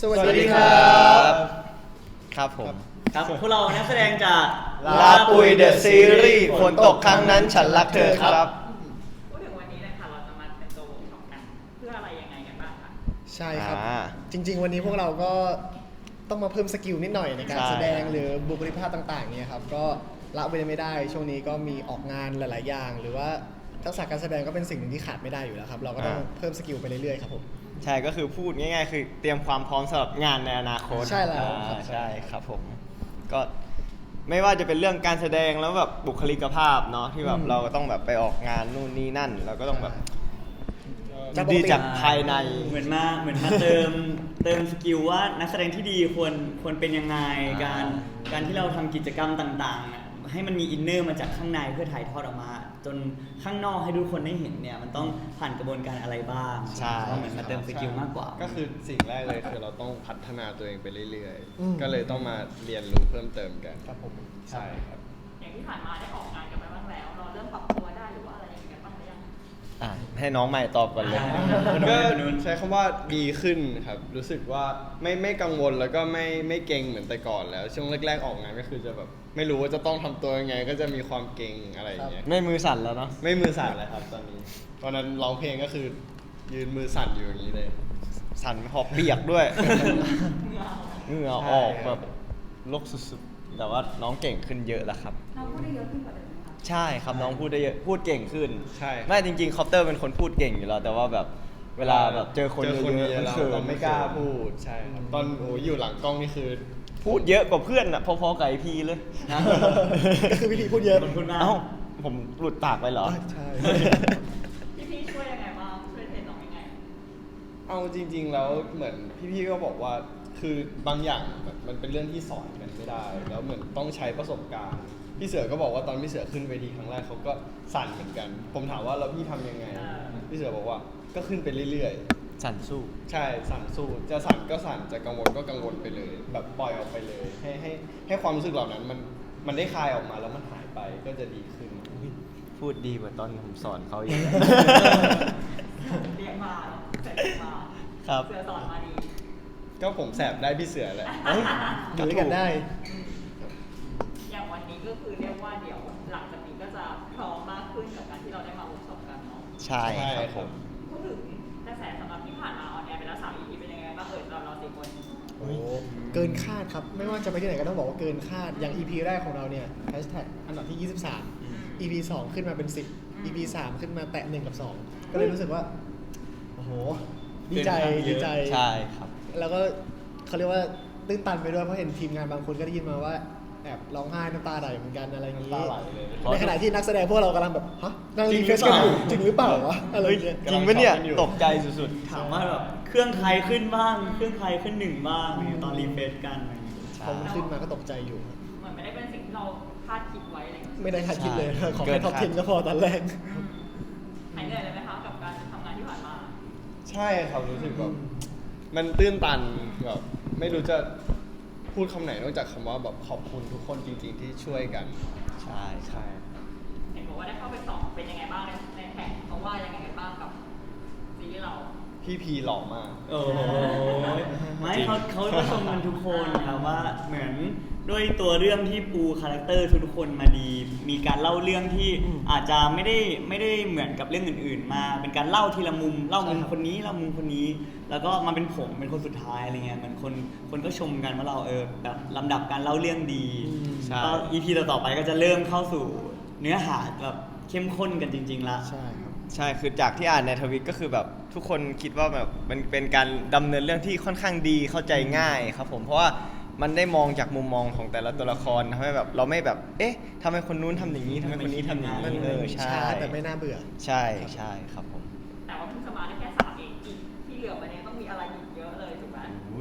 สวัสดีครับครับผมครับพวกเรานักแสดงจากลาปุยเดอะซีรีส์ฝนตกครั้งนั้นฉันรักเธอครับพูดถึงวันนี้นะคะเราจะมาเป็นตัวเวิร์กช็อปกันเพื่ออะไรยังไงกันบ้างคะใช่ครับจริงๆวันนี้พวกเราก็ต้องมาเพิ่มสกิลนิดหน่อยในการแสดงหรือบุคลิกภาพต่างๆเนี่ยครับก็ละไปไม่ได้ช่วงนี้ก็มีออกงานหลายๆอย่างหรือว่าทักษะการแสดงก็เป็นสิ่งหนึ่งที่ขาดไม่ได้อยู่แล้วครับเราก็ต้องเพิ่มสกิลไปเรื่อยๆครับผมใช่ก็คือพูดง่ายๆคือเตรียมความพร้อมสำหรับงานในอนาคตใช่แล้วครับใช่ครับผมก็ไม่ว่าจะเป็นเรื่องการแสดงแล้วแบบบุคลิกภาพเนาะที่แบบเราก็ต้องแบบไปออกงานนู่นนี่นั่นเราก็ต้องแบบดีจากภายในเหมือนมาเติมสกิลว่านักแสดงที่ดีควรเป็นยังไงการที่เราทำกิจกรรมต่างๆให้มันมีอินเนอร์มาจากข้างในเพื่อถ่ายทอดออกมาจนข้างนอกให้ทุกคนได้เห็นเนี่ยมันต้องผ่านกระบวนการอะไรบ้างใช่เหมือนมาเติมสกิลมากกว่าก็คือสิ่งแรกเลยคือเราต้องพัฒนาตัวเองไปเรื่อยๆก็เลยต้องมาเรียนรู้เพิ่มเติมกันครับผมใช่ครับอย่างที่ผ่านมาได้ออกงานกันไปบ้างแล้วเราเริ่มปรับตัวได้หรือว่าอะไรอย่างเงี้ยบ้างหรือยังให้น้องใหม่ตอบก่อนเลยก็ใช้คำว่าดีขึ้นครับรู้สึกว่าไม่กังวลแล้วก็ไม่เก่งเหมือนแต่ก่อนแล้วช่วงแรกๆออกงานก็คือจะแบบไม่รู้ว่าจะต้องทำตัวยังไงก็จะมีความเก่งอะไรอย่างเงี้ยไม่มือสั่นแล้วเนาะไม่มือสั่นเลยครับตอนนี้ตอนนั้นร้องเพลงก็คือยืนมือสั่นอยู่อย่างนี้เลยสั่นหอบเปียกด้วยเหงื่อออกแบบลกสุดๆแต่ว่าน้องเก่งขึ้นเยอะแล้วครับน้องพูดได้เยอะขึ้นกว่าเดิมไหมคะใช่ครับน้องพูดได้เยอะพูดเก่งขึ้นใช่ไม่จริงๆคอปเตอร์เป็นคนพูดเก่งอยู่แล้วแต่ว่าแบบเวลาแบบเจอคนเยอะๆเราไม่กล้าพูดใช่ครับตอนอยู่หลังกล้องนี่คือพูดเยอะกว่าเพื่อนอ่ะพอๆกับไอพีเลยก็คือวิธีพูดเยอะพูดมากผมหลุดปากไปเหรอใช่พี่ช่วยยังไงบ้างช่วยเทรนน้องยังไงเอาจริงๆแล้วเหมือนพี่ๆก็บอกว่าคือบางอย่างมันเป็นเรื่องที่สอนกันไม่ได้แล้วเหมือนต้องใช้ประสบการณ์พี่เสือก็บอกว่าตอนพี่เสือขึ้นเวทีครั้งแรกเขาก็สั่นเหมือนกันผมถามว่าแล้วพี่ทำยังไงพี่เสือบอกว่าก็ขึ้นไปเรื่อยๆสั่นสู้ใช่สั่นสู้จะสั่นก็สั่นจะกังวลก็กังวลไปเลยแบบปล่อยออกไปเลยให้ความรู้สึกเหล่านั้นมันได้คลายออกมาแล้วมันหายไปก็จะดีขึ้นพูดดีกว่าตอนผมสอนเขาอีกเรียกมาเสร็จมาครับเสือสอนมาดีก็ผมแสบได้พี่เสือแหละอยู่ด้วยกันได้อย่างวันนี้ก็คือเรียกว่าเดี๋ยวหลังจากนี้ก็จะพร้อมมากขึ้นกับการที่เราได้มาเวิร์กช็อปกันเนาะใช่ครับผมพูดถึงกระแสสำหรับที่ผ่านมาออนแอร์ไปแล้ว3 EP เป็นยังไงบ้างเรา4 คนเกินคาดครับไม่ว่าจะไปที่ไหนก็ต้องบอกว่าเกินคาดอย่าง EP แรกของเราเนี่ยแฮชแท็กอันดับที่23 EP 2ขึ้นมาเป็น10 EP 3ขึ้นมาแตะ1 กับ 2ก็เลยรู้สึกว่าโอ้โหดีใจใช่ครับแล้วก็เขาเรียกว่าตื้นตันไปด้วยเพราะเห็นทีมงานบางคนก็ได้ยินมาว่าแอบร้องไห้น้ำตาไหลเหมือนกันอะไรอย่างนี้ในขณะที่นักแสดงพวกเรากำลังแบบฮะนั่งรีเฟรชกันอยู่จริงหรือเปล่าวะอะไรเงี้ยจริงปะเนี่ยตกใจสุดๆถามว่าแบบเครื่องใครขึ้นบ้างเครื่องใครขึ้น1บ้างตอนรีเฟรชกันพอมันขึ้นมาก็ตกใจอยู่เหมือนไม่ได้เป็นสิ่งที่เราคาดคิดไว้อะไรไม่ได้คาดคิดเลยขอแค่ท็อป10ก็พอตอนแรกหายเหนื่อยเลยไหมคะกับการทำงานที่ผ่านมาใช่ครับรู้สึกแบบมันตื้นตันแบบไม่รู้จะพูดคำไหนนอกจากคำว่าแบบขอบคุณทุกคนจริงๆที่ช่วยกันใช่เห็นบอกว่าได้เข้าไปสอบเป็นยังไงบ้างในแท็กเขาว่ายังไงกันบ้างกับซีรีส์เราพี่พีหล่อมากโอ้ไม่เขาชมกันทุกคนครับว่าเหมือนด้วยตัวเรื่องที่ปูคาแรคเตอร์ทุกคนมาดีมีการเล่าเรื่องที่อาจจะไม่ได้เหมือนกับเรื่องอื่นๆมาเป็นการเล่าทีละมุมเล่ามุมคนนี้เล่ามุมคนนี้แล้วก็มาเป็นผมเป็นคนสุดท้ายอะไรเงี้ยเหมือนคนก็ชมกันว่าเราแบบลำดับการเล่าเรื่องดีก็ EP ต่อไปก็จะเริ่มเข้าสู่เนื้อหาแบบเข้มข้นกันจริงๆละใช่ครับใช่คือจากที่อ่านในทวิตก็คือแบบทุกคนคิดว่าแบบมันเป็นการดำเนินเรื่องที่ค่อนข้างดีเข้าใจง่ายครับผมเพราะว่ามันได้มองจากมุมมองของแต่ละตัวละครทำให้แบบเราไม่แบบเอ๊ะทำไมคนนู้นทำอย่างนี้ทำไมคนนี้ทำอย่างนี้ใช่แต่ไม่น่าเบื่อใช่ครับผมแต่ว่าเพิ่งสมาได้แค่3 เองอีกที่เหลือไปเนี่ยต้องมีอะไรอีกเยอะเลยถูกไหม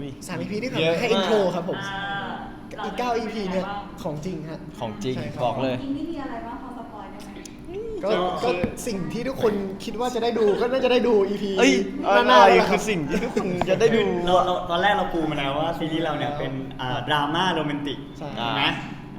3 EP ที่ผ่านมาให้อินโทรครับผมอีก9 EP เนี่ยของจริงฮะของจริงบอกเลยจริงนี่มีอะไรบ้างพอสปอยได้ไหมก็สิ่งที่ทุกคนคิดว่าจะได้ดูก็น่าจะได้ดู EP หน้าคือสิ่งที่ทุกคนจะได้ดูเราตอนแรกเราปูมาแล้วว่าซีรีส์เราเนี่ยเป็นดราม่าโรแมนติกนะ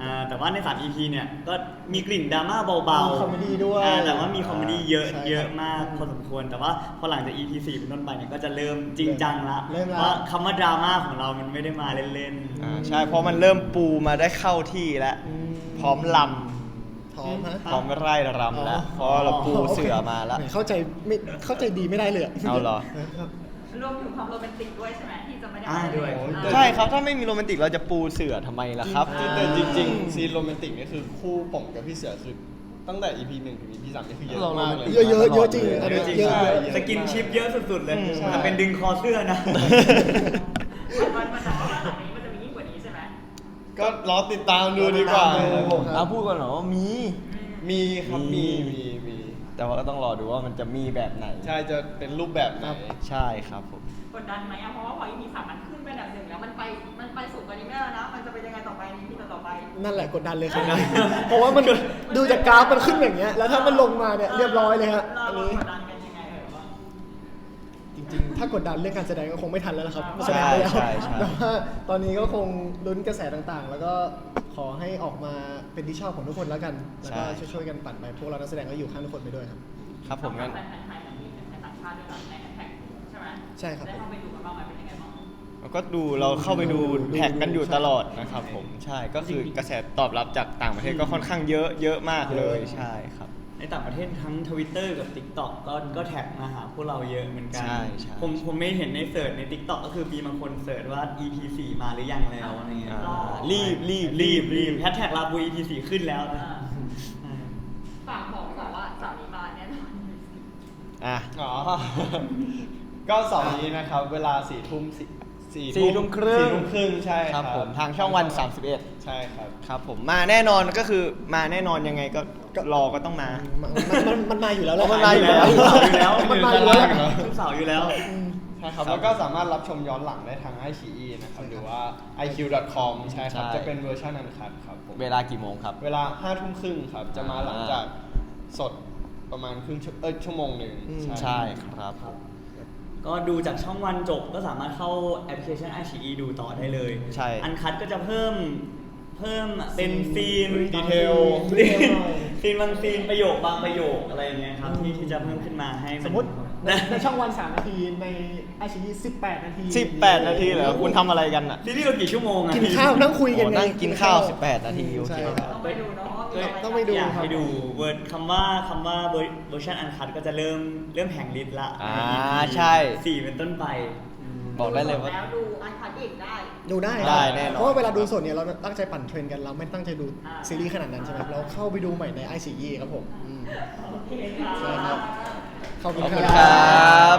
แต่ว่าใน3 EP เนี่ยก็มีกลิ่นดราม่าเบามีๆคอมเมดี้ด้วยแต่ว่ามีคอมเมดี้เยอะใช่ครับเยอะมากพอสมควรแต่ว่าพอหลังจาก EP 4เป็นต้นไปเนี่ยก็จะเริ่มจริงจังละเริ่มละเพราะคำว่าดราม่าของเรามันไม่ได้มาเล่นใช่เพราะมันเริ่มปูมาได้เข้าที่แล้ว พร้อมลพร้อมฮะำพร้อมไร่รำแล้วเพราะเราปูเสือมาแล้วเข้าใจไม่เข้าใจดีไม่ได้เลยะเอาเหรอครับรวมถึงความโรแมนติกด้วยใช่ไหมที่จะไม่ได้ด้วยใช่ครับถ้าไม่มีโรแมนติกเราจะปูเสือทำไมล่ะครับแต่จริงๆซีนโรแมนติกนี่คือคู่ผมกับพี่เสือคือตั้งแต่ EP 1 ถึง EP 3นี่คือเยอะมากเลยเยอะเยอะเยอะจริงอันเยนี้อะจริงเยอะเยอะสกินชิปเยอะสุดๆเลยใช่มันเป็นดึงคอเสื้อนะมันแต่ว่าหลังนี้มันจะมียิ่งกว่านี้ใช่ไหมก็รอติดตามดูดีกว่าเอาพูดก่อนเหรอว่ามีมีครับมีมีแต่ว่าก็ต้องรอดูว่ามันจะมีแบบไหนใช่จะเป็นรูปแบบไหนใช่ครับผมกดดันไหมอะเพราะว่าพอ EP 3มันขึ้นไปอันดับหนึ่งแล้วมันไปสูงกว่านี้ไม่ได้แล้วนะ มันจะเป็นยังไงต่อไปใน EP ต่อไปนั่นแหละกดดันเลยครับ เพราะว่ามันดูจากกราฟมันขึ้นอย่างเงี้ย แล้วถ้ามันลงมาเนี่ยเรียบร้อยเลยฮะเราอันเรานี้กดดันกันยังไงว่าจริงๆ ถ้ากดดันเรื่องการแสดงก็คงไม่ทันแล้วละครับใช่แสดงไปแล้วใช่ใช่แต่ว่าตอนนี้ก็คงลุ้นกระแสต่างๆ แล้วก็ขอให้ออกมาเป็นที่ชอบของทุกคนแล้วกัน แล้วก็ช่วยๆกันปั่นไปพวกเรานักแสดงก็อยู่ข้างทุกคนไปด้วยครับครับผมงั้นแฟนไทยกับมีแฟนต่างชาติด้วยนะในแฮชแท็กใช่ไหมใช่ครับได้เข้าไปดูกันบ้างไหมเป็นยังไงบ้างเราก็ดูเราเข้าไปดูแท็กกันอยู่ตลอดนะครับผมใช่ก็คือกระแสตอบรับจากต่างประเทศก็ค่อนข้างเยอะมากเลยใช่ครับในต่างประเทศทั้ง Twitter กับ TikTok ก็แท็กมาหาพวกเราเยอะเหมือนกันใช่ใช่ผมไม่เห็นในเสิร์ชใน TikTok ก็คือมีบางคนเสิร์ชว่า EP 4มาหรือยังแล้วอะไรเงี้ยอ่ารีบแฮชแท็กลาบู EP 4ขึ้นแล้วนะฝากบอกก่อนว่าสามีมาแน่นอนอ่ะอ๋อ ก็เสาร์นี้นะครับ เวลา4 ทุ่ม 4 ทุ่มครึ่ง 4 ทุ่มครึ่งใช่คครัรับบ ผมทางช่องวัน 31 ใช่ครับครับผมมาแน่นอนก็คือมาแน่นอนยังไงก็รอก็ต้องมามันมาอยู่แล้วแหละมันมาอยู่แล้วมันมาอยู่แล้วทุกเสาร์อยู่แล้วใช่ครับ แล้วก็สามารถรับชมย้อนหลังได้ทาง iQIYI นะครับ หรือว่า iq.com ใช่ครับใช่จะเป็นเวอร์ชันอันคัดครับผมเวลากี่โมงครับเวลา5 ทุ่มครึ่งครับ จะมาหลังจากสดประมาณชั่วโมงหนึ่งใช่ครับก็ดูจากช่องวันจบก็สามารถเข้าแอปพลิเคชัน iQIYI ดูต่อได้เลยใช่อันคัดก็จะเพิ่มเป็นซีนดีเทลซีนบางซีนประโยคบางประโยคอะไรอย่างเงี้ยครับที่จะเพิ่มขึ้นมาให้นสมมติในช่องวัน 3 นาที ในไอชี18 นาที 18 นาทีเหรอคุณทำอะไรกันอ่ะซีรีส์เรากี่ชั่วโมงอะกินข้าวนั่งคุยกันโอ้ไงนั่งกินข้าว 18 นาทีโอเคใช่ครับต้องไปดูเนาะว่ามีอะไรต้องไปดูอยากให้ดูเวิร์ดคำว่าเวอร์ชันอันคัดก็จะเริ่มแห่งฤทธิ์ละใช่ 4เป็นต้นไปบอกได้เลยว่าแล้วดูอันคัดอีกได้ดูได้ได้แน่นอนเพราะว่าเวลาดูสดเนี่ยเราตั้งใจปั่นเทรนด์กันเราไม่ตั้งใจดูอ่าซีรีส์ขนาดนั้นใช่ไหมเราเข้าไปดูใหม่ในไอซีครับผมโอเคค่ะใช่ครับขอบคุณขอบคุณคครัรับ บ